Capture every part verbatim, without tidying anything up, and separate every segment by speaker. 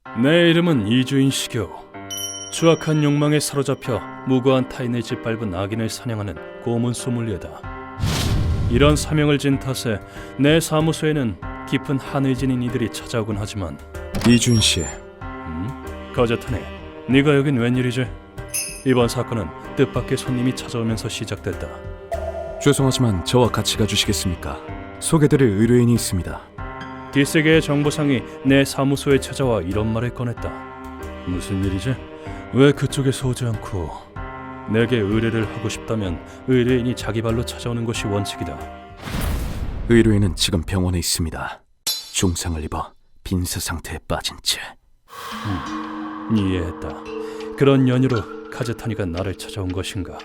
Speaker 1: 내 이름은 이주인 시교. 추악한 욕망에 사로잡혀 무고한 타인의 짓밟은 악인을 사냥하는 고문 소믈리에다. 이런 사명을 진 탓에 내 사무소에는 깊은 한을 지닌 이들이 찾아오곤 하지만
Speaker 2: 이주인 씨,
Speaker 1: 음? 거저타네, 네가 여긴 웬일이지? 이번 사건은 뜻밖의 손님이 찾아오면서 시작됐다.
Speaker 2: 죄송하지만 저와 같이 가주시겠습니까? 소개드릴 의뢰인이 있습니다.
Speaker 1: 뒷세계의 정보상이 내 사무소에 찾아와 이런 말을 꺼냈다. 무슨 일이지? 왜 그쪽에서 오지 않고 내게 의뢰를 하고 싶다면 의뢰인이 자기 발로 찾아오는 것이 원칙이다.
Speaker 2: 의뢰인은 지금 병원에 있습니다. 중상을 입어 빈사 상태에 빠진 채.
Speaker 1: 음, 이해했다. 그런 연유로 카즈타니가 나를 찾아온 것인가?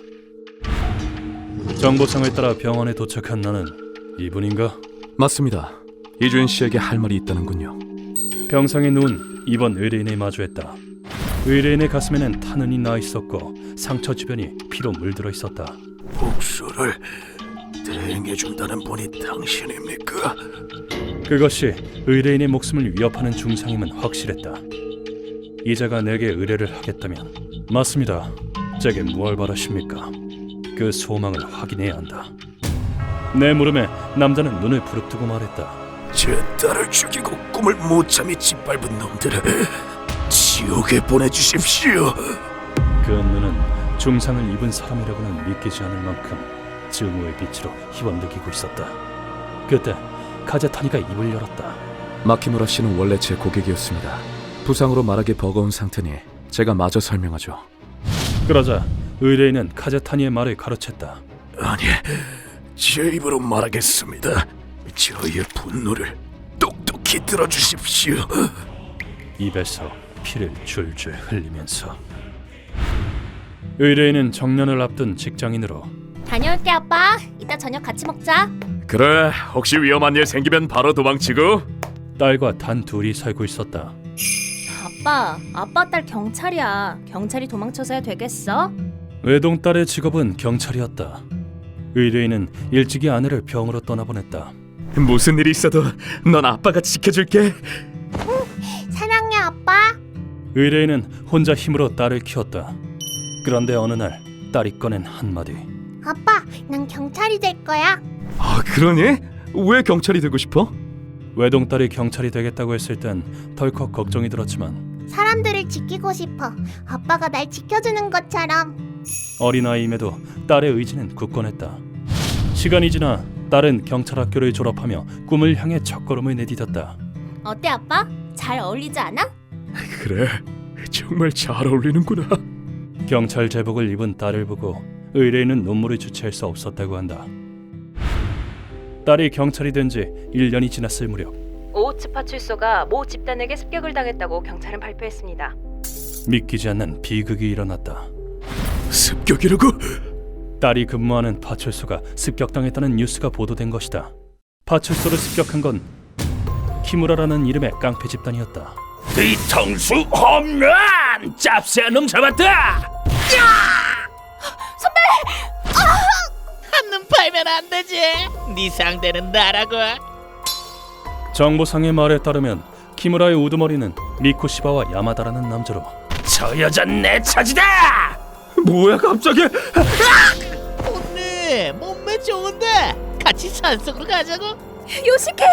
Speaker 1: 정보상을 따라 병원에 도착한 나는 이분인가?
Speaker 2: 맞습니다. 이주인 씨에게 할 말이 있다는군요.
Speaker 1: 병상에 누운 이번 의뢰인을 마주했다. 의뢰인의 가슴에는 탄흔이 나 있었고 상처 주변이 피로 물들어 있었다.
Speaker 2: 복수를 대행해준다는 분이 당신입니까?
Speaker 1: 그것이 의뢰인의 목숨을 위협하는 중상임은 확실했다. 이자가 내게 의뢰를 하겠다면 맞습니다. 제게 무얼 바라십니까? 그 소망을 확인해야 한다. 내 물음에 남자는 눈을 부릅뜨고 말했다.
Speaker 2: 제 딸을 죽이고 꿈을 못 참이 짓밟은 놈들을 지옥에 보내주십시오.
Speaker 1: 그 눈은 중상을 입은 사람이라고는 믿기지 않을 만큼 증오의 빛으로 희번득이고 있었다. 그때 카제타니가 입을 열었다.
Speaker 2: 마키무라 씨는 원래 제 고객이었습니다. 부상으로 말하기 버거운 상태니 제가 마저 설명하죠.
Speaker 1: 그러자 의뢰인은 카제타니의 말을 가로챘다.
Speaker 2: 아니, 제 입으로 말하겠습니다. 저의 분노를 똑똑히 들어주십시오.
Speaker 1: 입에서 피를 줄줄 흘리면서 의뢰인은 정년을 앞둔 직장인으로
Speaker 3: 다녀올게 아빠. 이따 저녁 같이 먹자.
Speaker 2: 그래, 혹시 위험한 일 생기면 바로 도망치고.
Speaker 1: 딸과 단 둘이 살고 있었다.
Speaker 3: 아빠, 아빠 딸 경찰이야. 경찰이 도망쳐서야 되겠어?
Speaker 1: 외동딸의 직업은 경찰이었다. 의뢰인은 일찍이 아내를 병으로 떠나보냈다.
Speaker 2: 무슨 일이 있어도 넌 아빠가 지켜줄게.
Speaker 3: 사랑해 아빠.
Speaker 1: 의뢰인은 혼자 힘으로 딸을 키웠다. 그런데 어느 날 딸이 꺼낸 한마디.
Speaker 3: 아빠, 난 경찰이 될 거야.
Speaker 2: 아, 그러니? 왜 경찰이 되고 싶어?
Speaker 1: 외동딸이 경찰이 되겠다고 했을 땐 덜컥 걱정이 들었지만
Speaker 3: 사람들을 지키고 싶어. 아빠가 날 지켜주는 것처럼.
Speaker 1: 어린아이임에도 딸의 의지는 굳건했다. 시간이 지나 딸은 경찰학교를 졸업하며 꿈을 향해 첫걸음을 내디뎠다.
Speaker 3: 어때 아빠? 잘 어울리지 않아?
Speaker 2: 그래, 정말 잘 어울리는구나.
Speaker 1: 경찰 제복을 입은 딸을 보고 의뢰인은 눈물을 주체할 수 없었다고 한다. 딸이 경찰이 된 지 일 년이 지났을 무렵
Speaker 4: 오우츠 파출소가 모 집단에게 습격을 당했다고 경찰은 발표했습니다.
Speaker 1: 믿기지 않는 비극이 일어났다.
Speaker 2: 습격이라고?
Speaker 1: 딸이 근무하는 파출소가 습격당했다는 뉴스가 보도된 것이다. 파출소를 습격한 건 키무라라는 이름의 깡패 집단이었다.
Speaker 5: 뒤통수 홈런! 짭새한 놈 잡았다!
Speaker 6: 한눈 팔면 안 되지. 네 상대는 나라고.
Speaker 1: 정보상의 말에 따르면 키무라의 우두머리는 미코시바와 야마다라는 남자로
Speaker 5: 저 여잔 내 차지다!
Speaker 2: 뭐야 갑자기?
Speaker 6: 언니 몸매 좋은데 같이 산속으로 가자고.
Speaker 3: 요시케.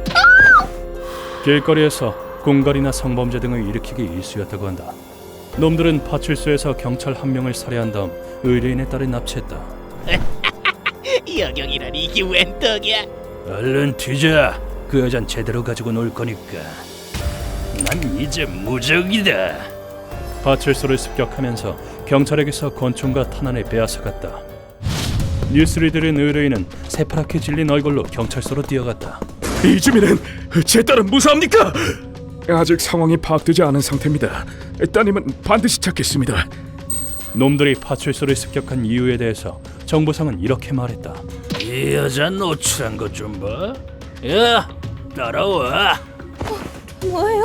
Speaker 1: 길거리에서 공갈이나 성범죄 등을 일으키기 일쑤였다고 한다. 놈들은 파출소에서 경찰 한 명을 살해한 다음 의뢰인의 딸을 납치했다.
Speaker 6: 여경이라니 이게 웬 떡이야.
Speaker 5: 얼른 뒤져. 그 여잔 제대로 가지고 놀 거니까. 난 이제 무적이다.
Speaker 1: 파출소를 습격하면서 경찰에게서 권총과 탄환을 빼앗아갔다. 뉴스를 들은 의뢰인은 새파랗게 질린 얼굴로 경찰서로 뛰어갔다.
Speaker 2: 이주민은 제 딸은 무사합니까? 아직 상황이 파악되지 않은 상태입니다. 따님은 반드시 찾겠습니다.
Speaker 1: 놈들이 파출소를 습격한 이유에 대해서 정보상은 이렇게 말했다.
Speaker 5: 이 여자 노출한 것 좀 봐. 야, 따라와.
Speaker 3: 뭐예요?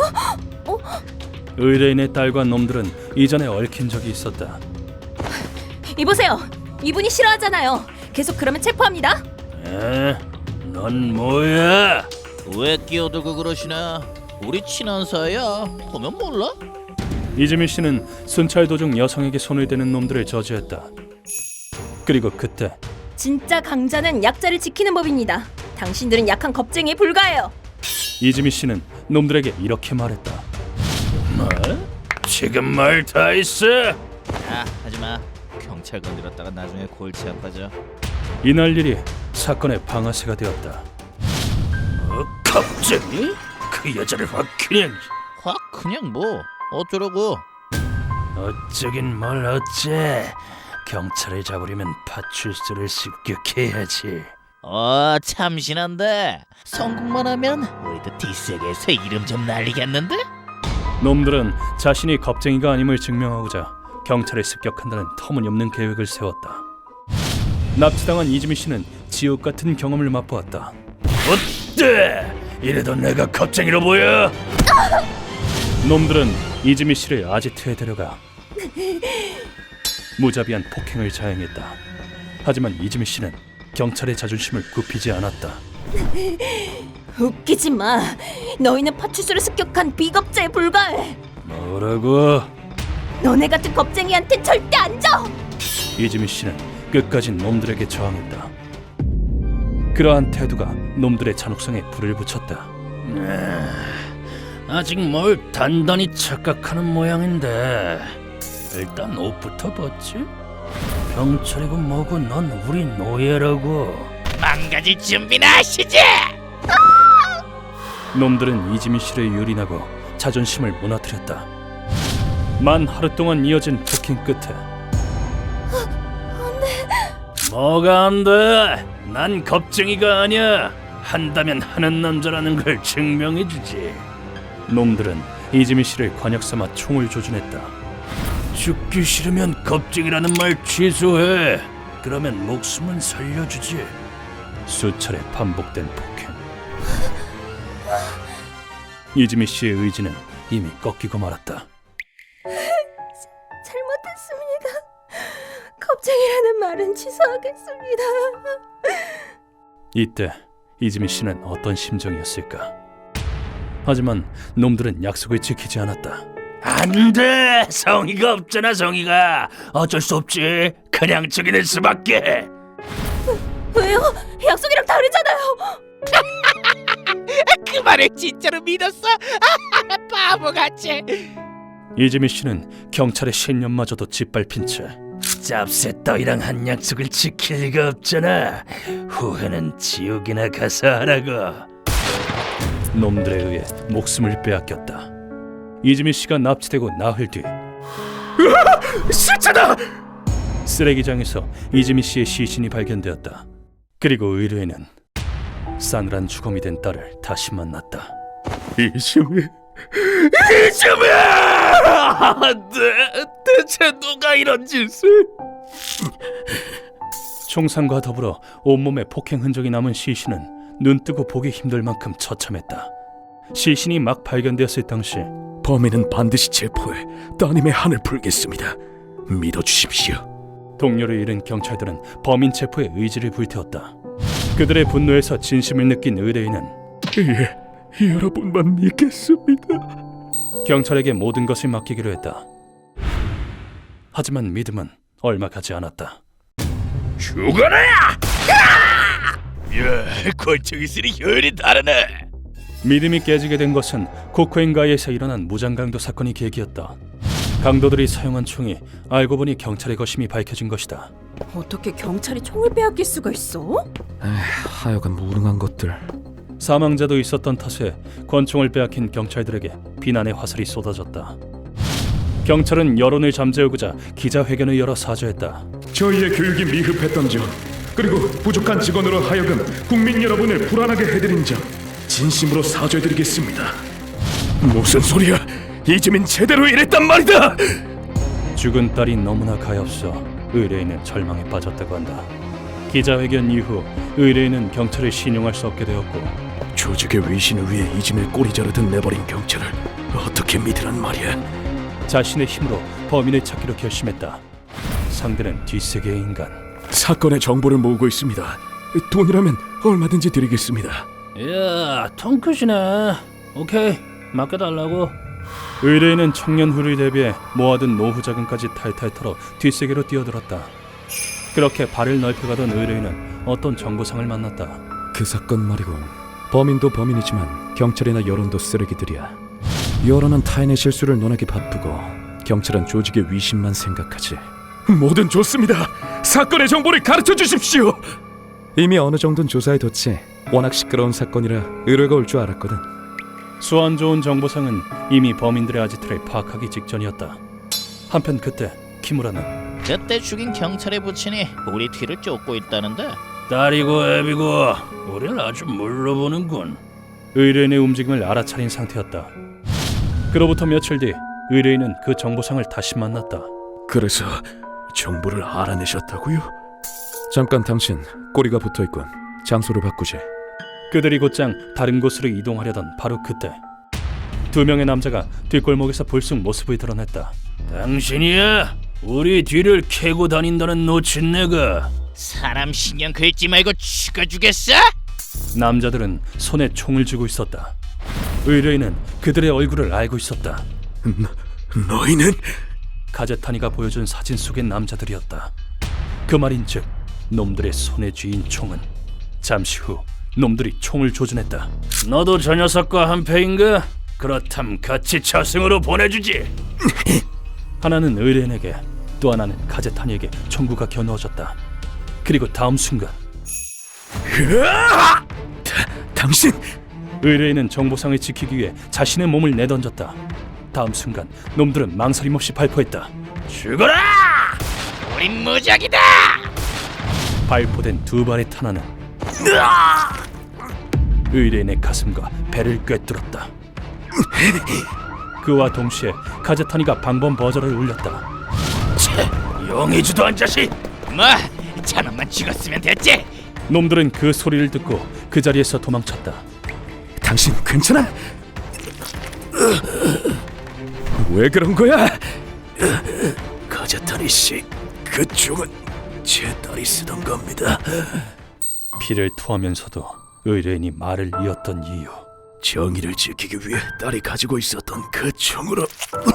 Speaker 1: 의뢰인의 딸과 놈들은 이전에 얽힌 적이 있었다.
Speaker 3: 이보세요. 이분이 싫어하잖아요. 계속 그러면 체포합니다.
Speaker 5: 에? 넌 뭐야?
Speaker 6: 왜 끼어들고 그러시나? 우리 친한 사이야. 보면 몰라?
Speaker 1: 이지미 씨는 순찰 도중 여성에게 손을 대는 놈들을 저지했다. 그리고 그때
Speaker 4: 진짜 강자는 약자를 지키는 법입니다. 당신들은 약한 겁쟁이에 불과해요.
Speaker 1: 이지미 씨는 놈들에게 이렇게 말했다.
Speaker 5: 뭐? 지금 말 다 했어?
Speaker 6: 야, 하지마. 경찰 건드렸다가 나중에 골치 아파져.
Speaker 1: 이날 일이 사건의 방아쇠가 되었다.
Speaker 5: 어, 갑자기? 그 여자를 확 그냥
Speaker 6: 확 그냥 뭐 어쩌려고?
Speaker 5: 어쩌긴 뭘 어째. 경찰을 잡으려면 파출소를 습격해야지.
Speaker 6: 어, 참신한데. 성공만 하면 우리도 뒷세계에서 이름 좀 날리겠는데?
Speaker 1: 놈들은 자신이 겁쟁이가 아님을 증명하고자 경찰에 습격한다는 터무니없는 계획을 세웠다. 납치당한 이지미 씨는 지옥 같은 경험을 맛보았다.
Speaker 5: 어때? 이래도 내가 겁쟁이로 보여?
Speaker 1: 놈들은 이지미 씨를 아지트에 데려가 무자비한 폭행을 자행했다. 하지만 이지미 씨는 경찰의 자존심을 굽히지 않았다.
Speaker 4: 웃기지 마. 너희는 파출소를 습격한 비겁자에 불과해.
Speaker 5: 뭐라고?
Speaker 4: 너네 같은 겁쟁이한테 절대 안 져.
Speaker 1: 이지미 씨는 끝까지 놈들에게 저항했다. 그러한 태도가 놈들의 잔혹성에 불을 붙였다.
Speaker 5: 아직 뭘 단단히 착각하는 모양인데. 일단 옷부터 벗지? 경찰이고 뭐고 넌 우리 노예라고.
Speaker 6: 망가질 준비나 하시지!
Speaker 1: 놈들은 이지미 씨를 유린하고 자존심을 무너뜨렸다. 만 하루 동안 이어진 폭행 끝에
Speaker 5: 뭐가 안 돼? 난 겁쟁이가 아니야. 한다면 하는 남자라는 걸 증명해주지.
Speaker 1: 놈들은 이지미 씨를 관역 삼아 총을 조준했다.
Speaker 5: 죽기 싫으면 겁쟁이라는 말 취소해. 그러면 목숨은 살려주지.
Speaker 1: 수차례 반복된 폭행. 이지미 씨의 의지는 이미 꺾이고 말았다.
Speaker 4: 잘못했습니다. 겁쟁이라는 말은 취소하겠습니다.
Speaker 1: 이때 이지미 씨는 어떤 심정이었을까? 하지만 놈들은 약속을 지키지 않았다.
Speaker 5: 안 돼. 성의가 없잖아. 성의가 어쩔 수 없지. 그냥 죽이는 수밖에.
Speaker 4: 왜요? 약속이랑 다르잖아요.
Speaker 6: 그 말을 진짜로 믿었어? 바보같이.
Speaker 1: 이지미 씨는 경찰의 신념마저도 짓밟힌 채
Speaker 5: 짭새 따위랑 한 약속을 지킬 리가 없잖아. 후회는 지옥이나 가서 하라고.
Speaker 1: 놈들에 의해 목숨을 빼앗겼다. 이지미 씨가 납치되고 나흘 뒤
Speaker 2: 시체다!
Speaker 1: 쓰레기장에서 이지미 씨의 시신이 발견되었다. 그리고 의뢰인은 싸늘한 주검이 된 딸을 다시 만났다.
Speaker 2: 이지미,
Speaker 5: 이쯤이야! 대, 대체 누가 이런 짓을?
Speaker 1: 총상과 더불어 온몸에 폭행 흔적이 남은 시신은 눈뜨고 보기 힘들 만큼 처참했다. 시신이 막 발견되었을 당시
Speaker 2: 범인은 반드시 체포해 따님의 한을 풀겠습니다. 믿어주십시오.
Speaker 1: 동료를 잃은 경찰들은 범인 체포에 의지를 불태웠다. 그들의 분노에서 진심을 느낀 의뢰인은
Speaker 2: 예, 여러분만 믿겠습니다.
Speaker 1: 경찰에게 모든 것을 맡기기로 했다. 하지만 믿음은 얼마 가지 않았다.
Speaker 5: 죽어라! 야, 권총이 쓰니 혈이 다르네.
Speaker 1: 믿음이 깨지게 된 것은 코코인가이에서 일어난 무장강도 사건이 계기였다. 강도들이 사용한 총이 알고 보니 경찰의 것임이 밝혀진 것이다.
Speaker 4: 어떻게 경찰이 총을 빼앗길 수가 있어?
Speaker 2: 하여간 무능한 것들.
Speaker 1: 사망자도 있었던 탓에 권총을 빼앗긴 경찰들에게 비난의 화살이 쏟아졌다. 경찰은 여론을 잠재우고자 기자회견을 열어 사죄했다.
Speaker 2: 저희의 교육이 미흡했던 점, 그리고 부족한 직원으로 하여금 국민 여러분을 불안하게 해드린 점 진심으로 사죄드리겠습니다. 무슨 소리야? 이지민 제대로 일했단 말이다!
Speaker 1: 죽은 딸이 너무나 가엾어 의뢰인은 절망에 빠졌다고 한다. 기자회견 이후 의뢰인은 경찰을 신용할 수 없게 되었고
Speaker 2: 조직의 위신을 위해 이지민을 꼬리 자르듯 내버린 경찰을 어떻게 믿으란 말이야?
Speaker 1: 자신의 힘으로 범인을 찾기로 결심했다. 상대는 뒷세계의 인간.
Speaker 2: 사건의 정보를 모으고 있습니다. 돈이라면 얼마든지 드리겠습니다.
Speaker 5: 야, 통 크시네. 오케이, 맡겨달라고.
Speaker 1: 의뢰인은 청년 후를 대비해 모아둔 노후 자금까지 탈탈 털어 뒷세계로 뛰어들었다. 그렇게 발을 넓혀가던 의뢰인은 어떤 정보상을 만났다.
Speaker 2: 그 사건 말이군. 범인도 범인이지만 경찰이나 여론도 쓰레기들이야. 여론은 타인의 실수를 논하기 바쁘고 경찰은 조직의 위신만 생각하지. 뭐든 좋습니다. 사건의 정보를 가르쳐 주십시오. 이미 어느 정도는 조사해뒀지. 워낙 시끄러운 사건이라 의뢰가 올 줄 알았거든.
Speaker 1: 수완 좋은 정보상은 이미 범인들의 아지트를 파악하기 직전이었다. 한편 그때 키무라는
Speaker 6: 그때 죽인 경찰의 부친이 우리 뒤를 쫓고 있다는데.
Speaker 5: 딸이고 애비고 우리를 아주 물러보는군.
Speaker 1: 의뢰인의 움직임을 알아차린 상태였다. 그로부터 며칠 뒤 의뢰인은 그 정보상을 다시 만났다.
Speaker 2: 그래서 정보를 알아내셨다고요? 잠깐 당신 꼬리가 붙어있군. 장소를 바꾸지.
Speaker 1: 그들이 곧장 다른 곳으로 이동하려던 바로 그때 두 명의 남자가 뒷골목에서 불쑥 모습을 드러냈다.
Speaker 5: 당신이야? 우리 뒤를 캐고 다닌다는 노친네가.
Speaker 6: 사람 신경 긁지 말고 죽여주겠어?
Speaker 1: 남자들은 손에 총을 쥐고 있었다. 의뢰인은 그들의 얼굴을 알고 있었다.
Speaker 2: 너희는?
Speaker 1: 가제타니가 보여준 사진 속의 남자들이었다. 그 말인즉 놈들의 손에 쥐인 총은 잠시 후 놈들이 총을 조준했다.
Speaker 5: 너도 저 녀석과 한패인가? 그렇담 같이 저승으로 보내주지.
Speaker 1: 하나는 의뢰인에게 또 하나는 가제타니에게 총구가 겨누어졌다. 그리고 다음 순간
Speaker 2: 다, 당신!
Speaker 1: 의뢰인은 정보상을 지키기 위해 자신의 몸을 내던졌다. 다음 순간 놈들은 망설임 없이 발포했다.
Speaker 5: 죽어라!
Speaker 6: 우린 무적이다!
Speaker 1: 발포된 두 발의 탄환은 의뢰인의 가슴과 배를 꿰뚫었다. 그와 동시에 가제타니가 방범 버저를 울렸다.
Speaker 5: 용의주도 한 자식!
Speaker 6: 뭐 저놈만 죽었으면 됐지.
Speaker 1: 놈들은 그 소리를 듣고 그 자리에서 도망쳤다.
Speaker 2: 당신 괜찮아? 왜 그런 거야? 가자타니 씨, 그 총은 제 딸이 쓰던 겁니다.
Speaker 1: 피를 토하면서도 의뢰인이 말을 이었던 이유.
Speaker 2: 정의를 지키기 위해 딸이 가지고 있었던 그 총으로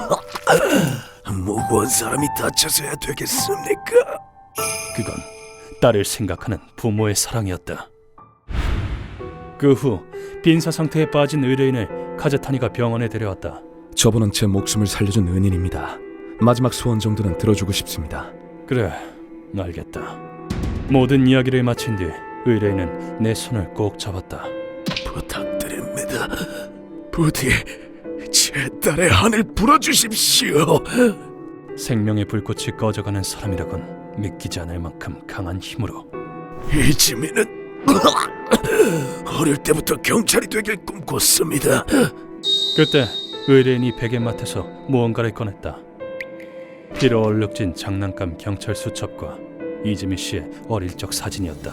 Speaker 2: 무고한 사람이 다쳐서야 되겠습니까?
Speaker 1: 그건 딸을 생각하는 부모의 사랑이었다. 그 후 빈사 상태에 빠진 의뢰인을 가제타니가 병원에 데려왔다.
Speaker 2: 저분은 제 목숨을 살려준 은인입니다. 마지막 소원 정도는 들어주고 싶습니다.
Speaker 1: 그래, 알겠다. 모든 이야기를 마친 뒤 의뢰인은 내 손을 꼭 잡았다.
Speaker 2: 부탁드립니다. 부디 제 딸의 한을 불어주십시오.
Speaker 1: 생명의 불꽃이 꺼져가는 사람이라곤 믿기지 않을 만큼 강한 힘으로.
Speaker 2: 이지민은 어릴 때부터 경찰이 되길 꿈꿨습니다.
Speaker 1: 그때 의뢰인이 베갯마트에서 무언가를 꺼냈다. 피로 얼룩진 장난감 경찰 수첩과 이지미 씨의 어릴 적 사진이었다.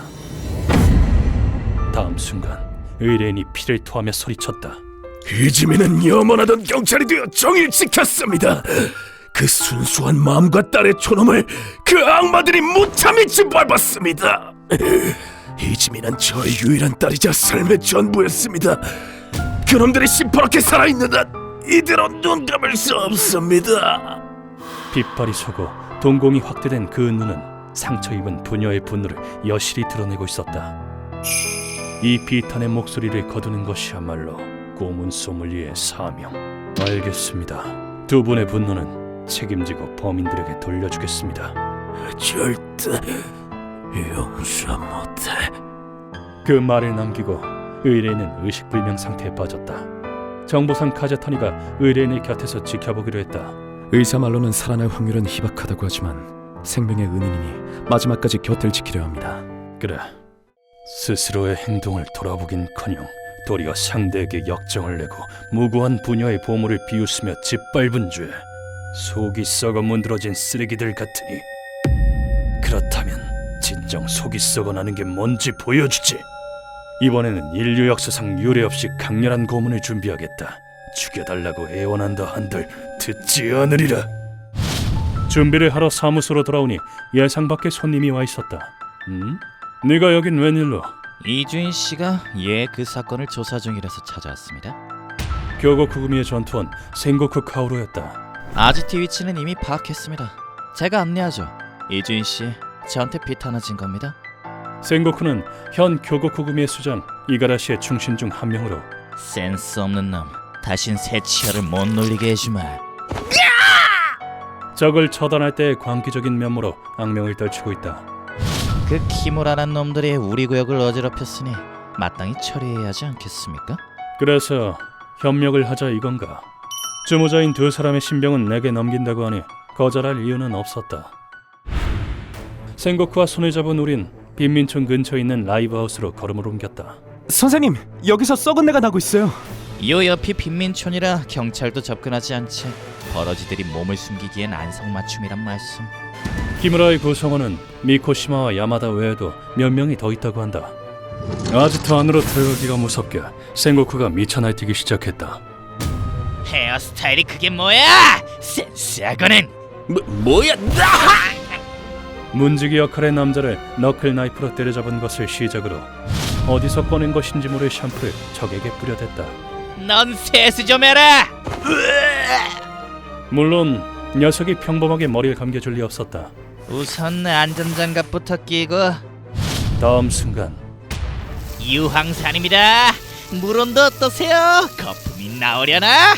Speaker 1: 다음 순간 의뢰인이 피를 토하며 소리쳤다.
Speaker 2: 이지민은 염원하던 경찰이 되어 정의를 지켰습니다. 그 순수한 마음과 딸의 초놈을 그 악마들이 무참히 짓밟았습니다. 이지민은 저의 유일한 딸이자 삶의 전부였습니다. 그놈들이 시퍼렇게 살아있는 한 이대로 눈 감을 수 없습니다.
Speaker 1: 빛발이 쏘고 동공이 확대된 그 눈은 상처 입은 부녀의 분노를 여실히 드러내고 있었다. 이 비탄의 목소리를 거두는 것이야말로 고문 소믈리에의 사명. 알겠습니다. 두 분의 분노는 책임지고 범인들에게 돌려주겠습니다.
Speaker 2: 절대 용서 못해.
Speaker 1: 그 말을 남기고 의뢰인은 의식불명 상태에 빠졌다. 정보상 카제타니가 의뢰인의 곁에서 지켜보기로 했다.
Speaker 2: 의사 말로는 살아날 확률은 희박하다고 하지만 생명의 은인이니 마지막까지 곁을 지키려 합니다.
Speaker 1: 그래, 스스로의 행동을 돌아보긴커녕 도리어 상대에게 역정을 내고 무고한 부녀의 보물을 비웃으며 짓밟은 죄. 속이 썩어 문드러진 쓰레기들 같으니. 그렇다면 진정 속이 썩어나는 게 뭔지 보여주지. 이번에는 인류 역사상 유례없이 강렬한 고문을 준비하겠다. 죽여달라고 애원한다 한들 듣지 않으리라. 준비를 하러 사무소로 돌아오니 예상 밖의 손님이 와 있었다. 음? 네가 여긴 웬일로?
Speaker 6: 이주인 씨가 예 그 사건을 조사 중이라서 찾아왔습니다.
Speaker 1: 교고 구구미의 전투원 생고쿠 카오루였다.
Speaker 6: 아지티 위치는 이미 파악했습니다. 제가 안내하죠. 이주인 씨, 저한테 비타나진 겁니다.
Speaker 1: 생고쿠는 현 교고 구구미의 수장 이가라시의 충신 중 한 명으로
Speaker 6: 센스 없는 놈, 다신 새 치아를 못 놀리게 해주마.
Speaker 1: 적을 처단할 때의 광기적인 면모로 악명을 떨치고 있다.
Speaker 6: 그 키무라란 놈들이 우리 구역을 어지럽혔으니 마땅히 처리해야 하지 않겠습니까?
Speaker 1: 그래서 협력을 하자 이건가? 주모자인 두 사람의 신병은 내게 넘긴다고 하니 거절할 이유는 없었다. 생고쿠와 손을 잡은 우린 빈민촌 근처에 있는 라이브하우스로 걸음을 옮겼다.
Speaker 7: 선생님, 여기서 썩은 내가 나고 있어요.
Speaker 6: 요 옆이 빈민촌이라 경찰도 접근하지 않지. 버러지들이 몸을 숨기기엔 안성맞춤이란 말씀.
Speaker 1: 키무라의 구성원은 미코시마와 야마다 외에도 몇 명이 더 있다고 한다. 아지트 안으로 들어가기가 무섭게 생고쿠가 미쳐 날뛰기 시작했다.
Speaker 6: 헤어스타일이 그게 뭐야? 센스하고는 뭐, 뭐야?
Speaker 1: 문지기 역할의 남자를 너클 나이프로 때려잡은 것을 시작으로 어디서 꺼낸 것인지 모를 샴푸를 적에게 뿌려댔다.
Speaker 6: 넌 세수 좀 해라.
Speaker 1: 물론 녀석이 평범하게 머리를 감겨줄 리 없었다.
Speaker 6: 우선 안전장갑부터 끼고.
Speaker 1: 다음 순간
Speaker 6: 유황산입니다. 물온도 어떠세요? 거품이 나오려나?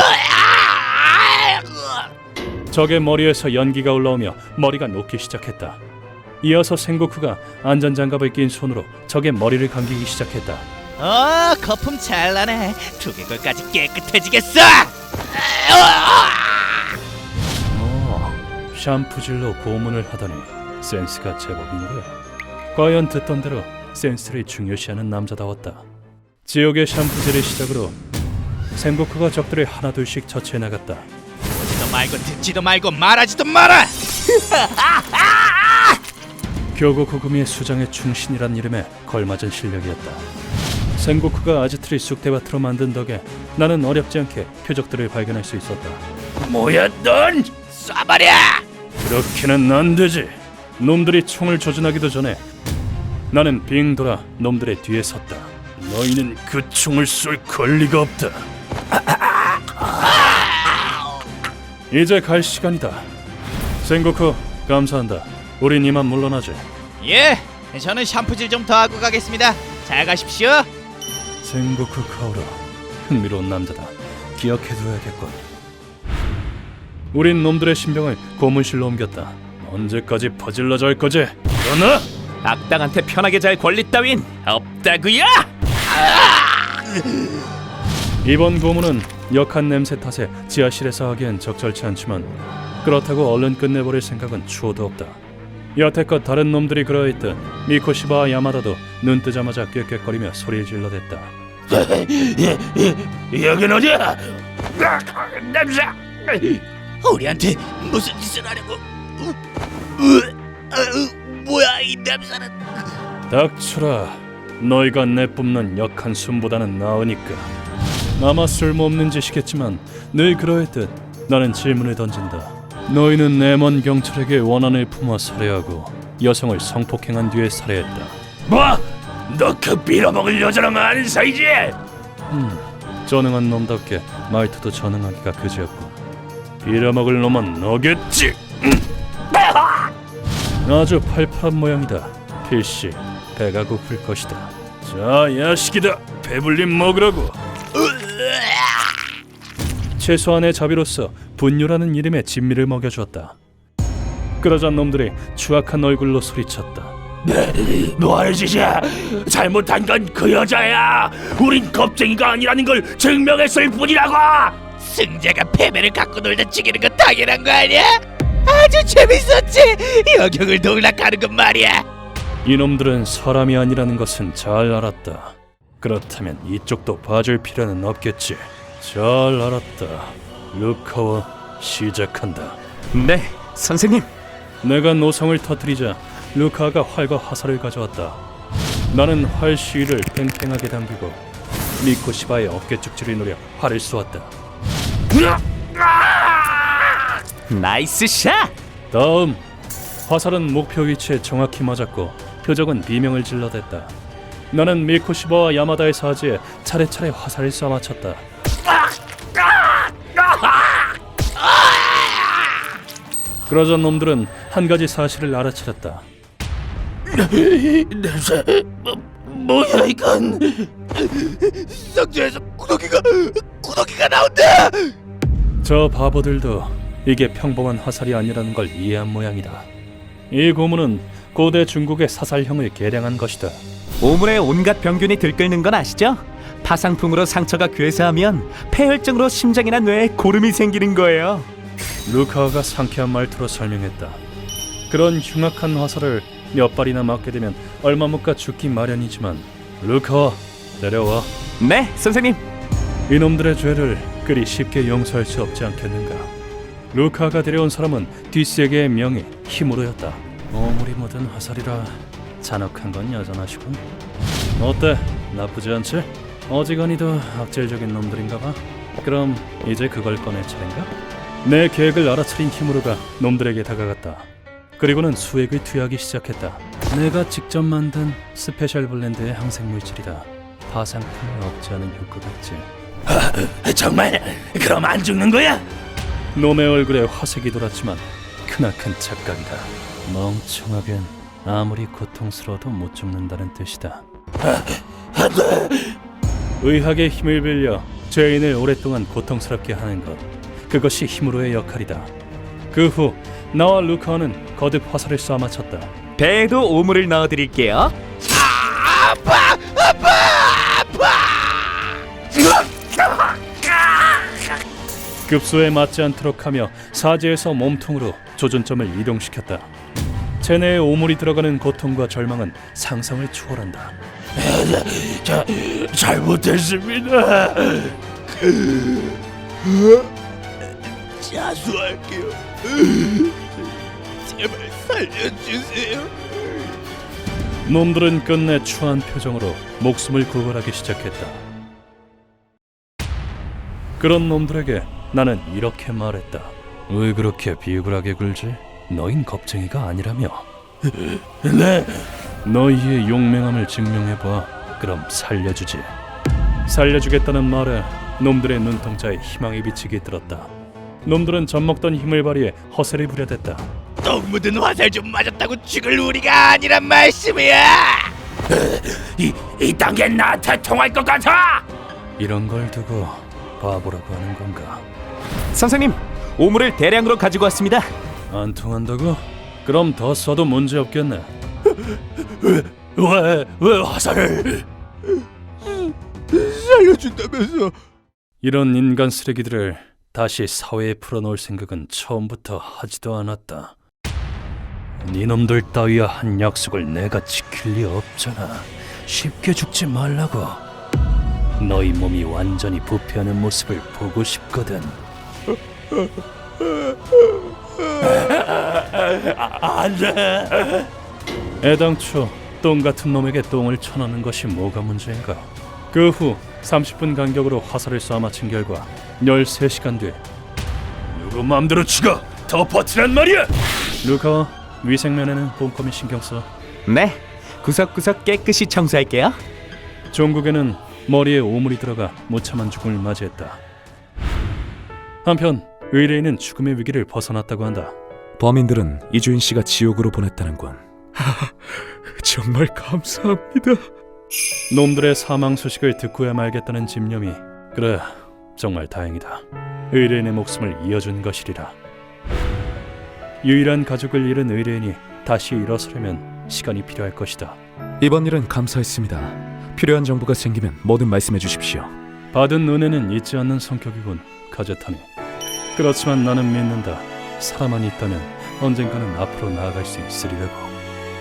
Speaker 1: 적의 머리에서 연기가 올라오며 머리가 녹기 시작했다. 이어서 생고쿠가 안전장갑을 낀 손으로 적의 머리를 감기기 시작했다.
Speaker 6: 어, 거품 잘 나네. 두개골까지 깨끗해지겠어.
Speaker 1: 어, 샴푸질로 고문을 하다니 센스가 제법인 거야. 과연 듣던 대로 센스를 중요시하는 남자다웠다. 지옥의 샴푸질을 시작으로 생고쿠가 적들을 하나둘씩 처치해 나갔다.
Speaker 6: 보지도 말고 듣지도 말고 말하지도 마라.
Speaker 1: 교고 구구미의 수장의 충신이란 이름에 걸맞은 실력이었다. 생고쿠가 아지트를 쑥대밭으로 만든 덕에 나는 어렵지 않게 표적들을 발견할 수 있었다.
Speaker 5: 뭐야 넌?
Speaker 6: 쏴버려.
Speaker 1: 그렇게는 안 되지. 놈들이 총을 조준하기도 전에 나는 빙 돌아 놈들의 뒤에 섰다.
Speaker 5: 너희는 그 총을 쏠 권리가 없다.
Speaker 1: 이제 갈 시간이다. 생고쿠 감사한다. 우린 이만 물러나지.
Speaker 6: 예, 저는 샴푸질 좀 더 하고 가겠습니다. 잘 가십시오.
Speaker 1: 생고쿠 카오라 흥미로운 남자다. 기억해둬야겠군. 우린 놈들의 신병을 고문실로 옮겼다. 언제까지 퍼질러 잘 거지? 그러나
Speaker 7: 악당한테 편하게 잘 권리 따윈 없다구요.
Speaker 1: 이번 고문은 역한 냄새 탓에 지하실에서 하기엔 적절치 않지만 그렇다고 얼른 끝내버릴 생각은 추호도 없다. 여태껏 다른 놈들이 그러했듯 미코시바와 야마다도 눈 뜨자마자 꾀꾀거리며 소리를 질러댔다.
Speaker 5: 여긴 어디야? 냄새!
Speaker 6: 우리한테 무슨 짓을 하려고? 으, 으, 뭐야 이 냄새는?
Speaker 1: 닥쳐라. 너희가 내뿜는 역한 숨보다는 나으니까. 아마 쓸모없는 짓이겠지만 늘 그러했듯 나는 질문을 던진다. 너희는 내먼 경찰에게 원한을 품어 살해하고 여성을 성폭행한 뒤에 살해했다.
Speaker 5: 뭐? 너 그 빌어먹을 여자랑 아는 사이지?
Speaker 1: 음, 전능한 놈답게 말투도 전능하기가 그지없군. 빌어먹을 놈은 너겠지. 아주 팔팔한 모양이다. 필시 배가 고플 것이다. 자, 야식이다. 배불림 먹으라고. 최소한의 자비로서 분유라는 이름의 진미를 먹여주었다. 그러자 놈들이 추악한 얼굴로 소리쳤다.
Speaker 5: 뭐하는 짓이야? 잘못한 건 그 여자야. 우린 겁쟁이가 아니라는 걸 증명했을 뿐이라고.
Speaker 6: 승자가 패배를 갖고 놀다 죽이는 건 당연한 거 아니야? 아주 재밌었지. 여경을 농락하는 건 말이야.
Speaker 1: 이놈들은 사람이 아니라는 것은 잘 알았다. 그렇다면 이쪽도 봐줄 필요는 없겠지. 잘 알았다. 루카와 시작한다.
Speaker 7: 네, 선생님.
Speaker 1: 내가 노성을 터뜨리자 루카가 활과 화살을 가져왔다. 나는 활 시위를 팽팽하게 당기고 미코시바의 어깨 축지를 노려 활을 쏘았다.
Speaker 7: 나이스 샷.
Speaker 1: 다음 화살은 목표 위치에 정확히 맞았고 표적은 비명을 질러댔다. 나는 미코시바와 야마다의 사지에 차례차례 화살을 쏴맞췄다. 그러자 놈들은 한 가지 사실을 알아차렸다.
Speaker 6: 냄새 뭐, 뭐야 이건? 상자에서 구더기가 구더기가 나온다.
Speaker 1: 저 바보들도 이게 평범한 화살이 아니라는 걸 이해한 모양이다. 이 고문은 고대 중국의 사살형을 계량한 것이다.
Speaker 7: 오물에 온갖 병균이 들끓는 건 아시죠? 파상풍으로 상처가 괴사하면 폐혈증으로 심장이나 뇌에 고름이 생기는 거예요.
Speaker 1: 루카와가 상쾌한 말투로 설명했다. 그런 흉악한 화살을 몇 발이나 맞게 되면 얼마 못 가 죽기 마련이지만 루카와, 내려와.
Speaker 7: 네, 선생님.
Speaker 1: 이놈들의 죄를 그리 쉽게 용서할 수 없지 않겠는가. 루카가 데려온 사람은 뒷세계의 명예, 힘으로였다. 오물이 묻은 화살이라 잔혹한 건 여전하시군. 어때? 나쁘지 않지? 어지간히도 악질적인 놈들인가 봐. 그럼 이제 그걸 꺼낼 차례인가? 내 계획을 알아차린 히무르가 놈들에게 다가갔다. 그리고는 수액을 투여하기 시작했다. 내가 직접 만든 스페셜 블렌드의 항생물질이다. 파상풍을 억제하는 효과가 있지.
Speaker 5: 정말 그럼 안 죽는 거야?
Speaker 1: 놈의 얼굴에 화색이 돌았지만 크나큰 착각이다. 멍청하긴 아무리 고통스러워도 못 죽는다는 뜻이다. 의학의 힘을 빌려 죄인을 오랫동안 고통스럽게 하는 것, 그것이 히무로의 역할이다. 그 후 나와 루카와는 거듭 화살을 쏴 맞췄다.
Speaker 7: 배에도 오물을 넣어드릴게요.
Speaker 6: 아파 아파 아파.
Speaker 1: 급소에 맞지 않도록 하며 사지에서 몸통으로 조준점을 이동시켰다. 체내에 오물이 들어가는 고통과 절망은 상상을 초월한다.
Speaker 5: 자, 잘못했습니다.
Speaker 6: 자수할게요. 제발 살려주세요.
Speaker 1: 놈들은 끝내 추한 표정으로 목숨을 구걸하기 시작했다. 그런 놈들에게 나는 이렇게 말했다. 왜 그렇게 비굴하게 굴지? 너흰 겁쟁이가 아니라며.
Speaker 5: 네,
Speaker 1: 너희의 용맹함을 증명해봐. 그럼 살려주지. 살려주겠다는 말에 놈들의 눈동자에 희망이 비치게 들었다. 놈들은 젖먹던 힘을 발휘해 허세를 부려댔다.
Speaker 6: 똥 묻은 화살 좀 맞았다고 죽을 우리가 아니란 말씀이야.
Speaker 5: 이, 이 단계 나한테 통할 것 같아.
Speaker 1: 이런 걸 두고 바보라고 하는 건가?
Speaker 7: 선생님, 오물을 대량으로 가지고 왔습니다.
Speaker 1: 안 통한다고? 그럼 더 써도 문제 없겠네.
Speaker 5: 왜, 왜 화살을?
Speaker 6: 살려준다면서.
Speaker 1: 이런 인간 쓰레기들을 다시 사회에 풀어놓을 생각은 처음부터 하지도 않았다. 니놈들 따위와 한 약속을 내가 지킬 리 없잖아. 쉽게 죽지 말라고. 너희 몸이 완전히 부패하는 모습을 보고 싶거든.
Speaker 5: 안 돼.
Speaker 1: 애당초 똥 같은 놈에게 똥을 쳐넣는 것이 뭐가 문제인가? 그 후 삼십 분 간격으로 화살을 쏴 맞힌 결과 열세 시간 뒤
Speaker 5: 누구 마음대로 죽어. 더 버티란 말이야.
Speaker 1: 루카와 위생면에는 꼼꼼히 신경 써.
Speaker 7: 네, 구석구석 깨끗이 청소할게요.
Speaker 1: 종국에는 머리에 오물이 들어가 무참한 죽음을 맞이했다. 한편 의뢰인은 죽음의 위기를 벗어났다고 한다.
Speaker 2: 범인들은 이주인 씨가 지옥으로 보냈다는군. 정말 감사합니다.
Speaker 1: 놈들의 사망 소식을 듣고야 말겠다는 집념이, 그래, 정말 다행이다. 의뢰인의 목숨을 이어준 것이리라. 유일한 가족을 잃은 의뢰인이 다시 일어서려면 시간이 필요할 것이다.
Speaker 2: 이번 일은 감사했습니다. 필요한 정보가 생기면 뭐든 말씀해 주십시오.
Speaker 1: 받은 은혜는 잊지 않는 성격이군, 카제타니. 그렇지만 나는 믿는다. 사람만 있다면 언젠가는 앞으로 나아갈 수 있으리라고.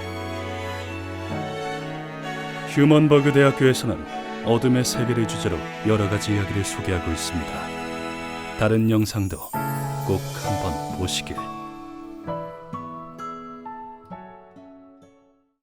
Speaker 1: 휴먼버그 대학교에서는 어둠의 세계를 주제로 여러 가지 이야기를 소개하고 있습니다. 다른 영상도 꼭 한번 보시길.